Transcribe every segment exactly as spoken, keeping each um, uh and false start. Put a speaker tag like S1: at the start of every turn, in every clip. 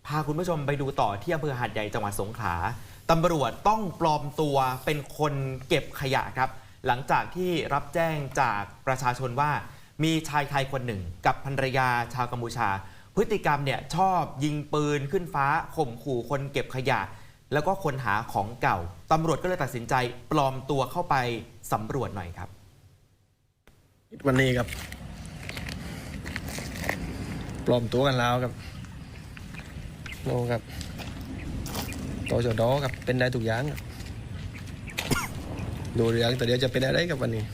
S1: พาคุณผู้ชมไปดูต่อที่อำเภอหาดใหญ่จังหวัดสงขลาตำรวจต้องปลอมตัวเป็นคนเก็บขยะครับหลังจากที่รับแจ้งจากประชาชนว่ามีชายไทยคนหนึ่งกับภรรยาชาวกัมพูชาพฤติกรรมเนี่ยชอบยิงปืนขึ้นฟ้าข่มขู่คนเก็บขยะแล้วก็คนหาของเก่าตำรวจก็เลยตัดสินใจปลอมตัวเข้าไปสำรวจหน่อยครับ
S2: วันนี้ครับปลอมตัวกันแล้วครับโอ้ครับต่อจอดอครับเป็นได้ทุกอย่างครับดูเรื่องแต่เดี๋ยวจะเป็นอะไรกับวันนี้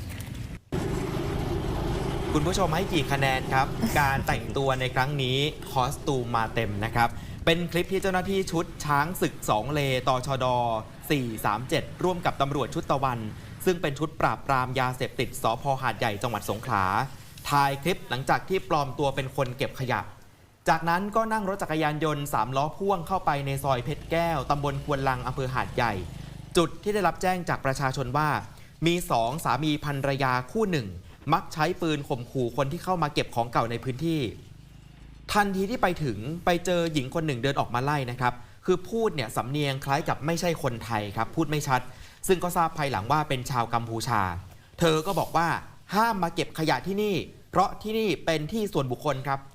S1: คุณผู้ชมให้กี่คะแนนครับ การแต่งตัวในครั้งนี้คอสตูมมาเต็มนะครับเป็นคลิปที่เจ้าหน้าที่ชุดช้างศึกสองเลตชดสี่สามเจ็ดร่วมกับตำรวจชุดตะวันซึ่งเป็นชุดปราบปรามยาเสพติดสภ.หาดใหญ่จังหวัดสงขลาถ่ายคลิปหลังจากที่ปลอมตัวเป็นคนเก็บขยะจากนั้นก็นั่งรถจักรยานยนต์สามล้อพ่วงเข้าไปในซอยเพชรแก้วตำบลควนลังอำเภอหาดใหญ่จุดที่ได้รับแจ้งจากประชาชนว่ามีสองสามีภรรยาคู่หนึ่งมักใช้ปืนข่มขู่คนที่เข้ามาเก็บของเก่าในพื้นที่ทันทีที่ไปถึงไปเจอหญิงคนหนึ่งเดินออกมาไล่นะครับคือพูดเนี่ยสำเนียงคล้ายกับไม่ใช่คนไทยครับพูดไม่ชัดซึ่งก็ทราบภายหลังว่าเป็นชาวกัมพูชาเธอก็บอกว่าห้ามมาเก็บขยะที่นี่เพราะที่นี่เป็นที่ส่วนบุคคลครับ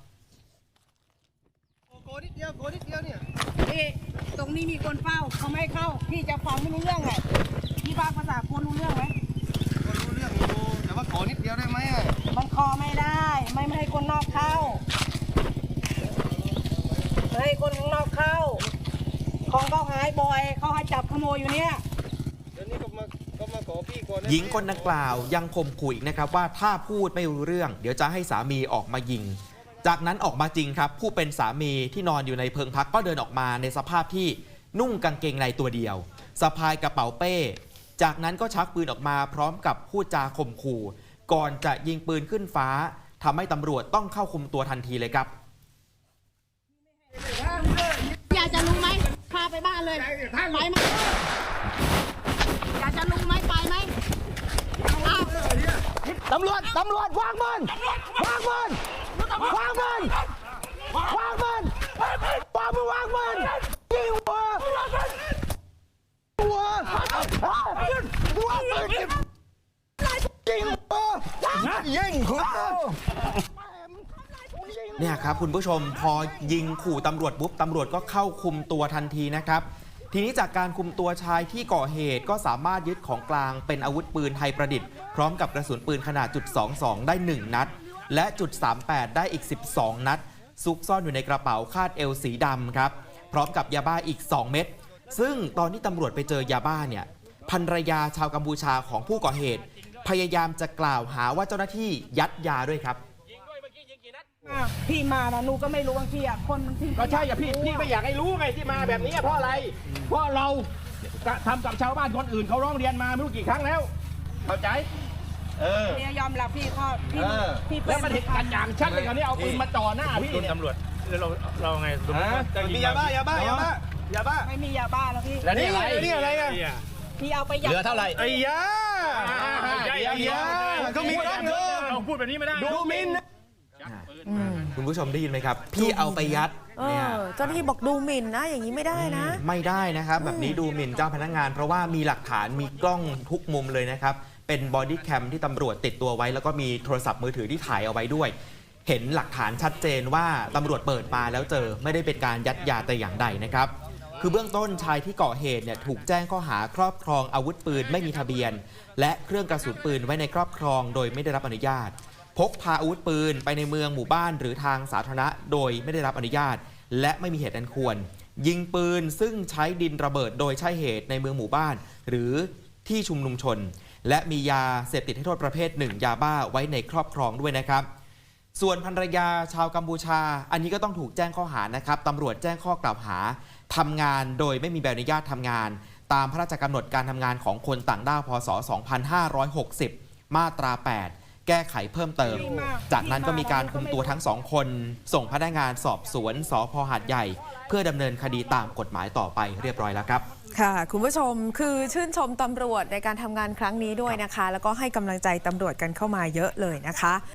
S3: โกนิดเดียวโกนิดเดียวเนี่ย
S4: พี่ตรงนี้มีคนเฝ้าเขาไม่ให้เข้าพี่จะฟังไม่รู้เรื่องไงพี่ฟังภาษาคนรู้เรื่องไหม
S3: คนรู้เรื่องอยู่แต่ว่าขอนิดเดียวได้ไหมอ่ะ
S4: มันคอไม่ได้ไม่ไม่ให้คนนอกเข้าไม่ให้คนข้างนอกเข้าของเขาหายบ่อยเขาให้จับขโมยอยู่เนี่ย
S3: เดี๋ยวนี้ก็มาก็มาขอพี่ก่อน
S1: หญิงคนดังกล่าวยังข่มขู่อีกนะครับว่าถ้าพูดไม่รู้เรื่องเดี๋ยวจะให้สามีออกมายิงจากนั้นออกมาจริงครับผู้เป็นสามีที่นอนอยู่ในเพิงพักก็เดินออกมาในสภาพที่นุ่งกางเกงในตัวเดียวสะพายกระเป๋าเป้จากนั้นก็ชักปืนออกมาพร้อมกับพูดจาข่มขู่ก่อนจะยิงปืนขึ้นฟ้าทำให้ตำรวจต้องเข้าคุมตัวทันทีเลยครับ
S4: อยากจะรู้ไหมพาไปบ้านเลยไปไหมอยากจะรู้ไหมไปไหม
S2: ตำรวจตำรวจวางมันวางมันวางมันวางมันวางมันวางมันยิงหัวหัวหัวปืนยิงหัวยิงหัว
S1: เนี่ยครับคุณผู้ชมพอยิงขู่ตำรวจปุ๊บตำรวจก็เข้าคุมตัวทันทีนะครับทีนี้จากการคุมตัวชายที่ก่อเหตุก็สามารถยึดของกลางเป็นอาวุธปืนไทยประดิษฐ์พร้อมกับกระสุนปืนขนาดจุดสองสองได้หนึ่งนัดและจุดสามแปดได้อีกสิบสองนัดซุกซ่อนอยู่ในกระเป๋าคาดเอวสีดำครับพร้อมกับยาบ้าอีกสองเม็ดซึ่งตอนที่ตำรวจไปเจอยาบ้าเนี่ยภรรยาชาวกัมพูชาของผู้ก่อเหตุพยายามจะกล่าวหาว่าเจ้าหน้าที่ยัดยาด้วยครับ
S4: พี่มานะหนูก็ไม่รู้บางทีอ่ะคนบางที
S5: ก็ใช่อย่าพี่พี่ไม่อยากให้รู้ไงที่มาแบบนี้เพราะอะไรเพราะเราทำกับชาวบ้านคนอื่นเขาร้องเรียนมาไม่รู้กี่ครั้งแล้วเข้าใจเออ
S4: เนี่ยยอมรับพี่ข้อพี่
S5: พี่แล้วมันเห็นกันอย่างชัดเลยคราวนี้เอาปืนมาจ่อหน้าพี่
S3: ตำรวจเราเราไงมียาบ้ายาบ้ายาบ้ายาบ้า
S4: ไม่มียาบ้าแล้วพี่
S5: แล้วนี่อะไร
S3: นี่อะไรอ่ะ
S4: พี่เอาไปยัด
S5: เหลือเท่าไหร่
S3: ไอ้ยาไอ้ยาเขามีกล้องเนอะเราพูดแบบนี้ไม่ได้
S5: ดูมิน
S1: คุณผู้ชมได้ยินไหมครับพี่เอาไปยัด
S6: เนี่ยเจ้าหน้าที่บอกดูหมิ่นนะอย่างนี้ไม่ได้นะ
S1: ไม่ได้นะครับแบบนี้ดูหมิ่นเจ้าพนักงานเพราะว่ามีหลักฐานมีกล้องทุกมุมเลยนะครับเป็นบอดี้แคมที่ตำรวจติดตัวไว้แล้วก็มีโทรศัพท์มือถือที่ถ่ายเอาไว้ด้วยเห็นหลักฐานชัดเจนว่าตำรวจเปิดมาแล้วเจอไม่ได้เป็นการยัดยาแต่อย่างใดนะครับคือเบื้องต้นชายที่ก่อเหตุเนี่ยถูกแจ้งข้อหาครอบครองอาวุธปืนไม่มีทะเบียนและเครื่องกระสุนปืนไว้ในครอบครองโดยไม่ได้รับอนุญาตพกพาอาวุธปืนไปในเมืองหมู่บ้านหรือทางสาธารณะโดยไม่ได้รับอนุญาตและไม่มีเหตุอันควรยิงปืนซึ่งใช้ดินระเบิดโดยใช่เหตุในเมืองหมู่บ้านหรือที่ชุมนุมชนและมียาเสพติดให้โทษประเภทหนึ่งยาบ้าไว้ในครอบครองด้วยนะครับส่วนภรรยาชาวกัมพูชาอันนี้ก็ต้องถูกแจ้งข้อหานะครับตำรวจแจ้งข้อกล่าวหาทำงานโดยไม่มีใบอนุญาตทำงานตามพระราชกำหนดการทำงานของคนต่างด้าวพ.ศ. สองพันห้าร้อยหกสิบมาตราแปดแก้ไขเพิ่มเติมจากนั้นก็มีการคุมตัวทั้งสองคนส่งพนักงานสอบสวนสภ.หาดใหญ่เพื่อดำเนินคดีตามกฎหมายต่อไปเรียบร้อยแล้วครับ
S6: ค่ะคุณผู้ชมคือชื่นชมตำรวจในการทำงานครั้งนี้ด้วยนะคะแล้วก็ให้กำลังใจตำรวจกันเข้ามาเยอะเลยนะคะ